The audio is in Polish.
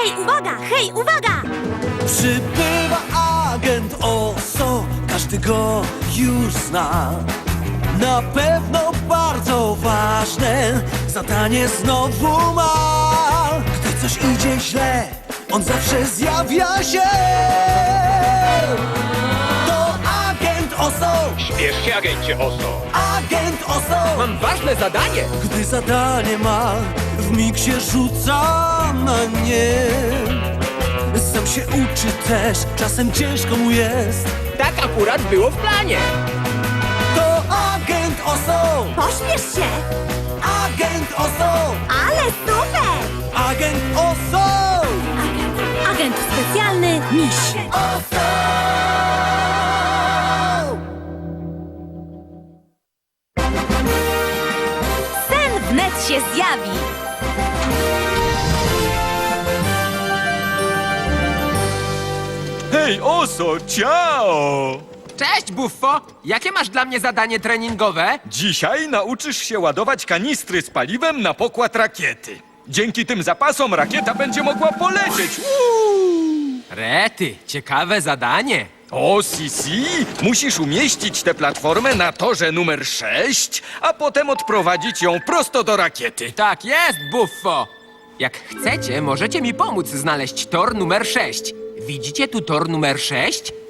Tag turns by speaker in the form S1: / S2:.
S1: Hej, uwaga!
S2: Przybywa agent Oso, każdy go już zna. Na pewno bardzo ważne zadanie znowu ma. Gdy coś idzie źle, on zawsze zjawia się. To agent Oso,
S3: Śpiesz się, agencie Oso.
S2: agent Oso.
S4: Mam ważne zadanie!
S2: Gdy zadanie ma, w mig się rzuca na nie. Sam się uczy też, czasem ciężko mu jest.
S4: Tak akurat było w planie!
S2: To agent Oso,
S1: Pośpiesz się!
S2: agent Oso,
S1: Ale super!
S2: agent Oso.
S1: Agent specjalny Miś. Sen wnet się zjawi.
S5: Hej, Oso, ciao!
S4: Cześć, Buffo! Jakie masz dla mnie zadanie treningowe?
S5: Dzisiaj nauczysz się ładować kanistry z paliwem na pokład rakiety. Dzięki tym zapasom rakieta będzie mogła polecieć.
S4: Rety, ciekawe zadanie.
S5: O, Sisi, musisz umieścić tę platformę na torze numer 6, a potem odprowadzić ją prosto do rakiety.
S4: Tak jest, Buffo! Jak chcecie, możecie mi pomóc znaleźć tor numer 6. Widzicie tu tor numer 6?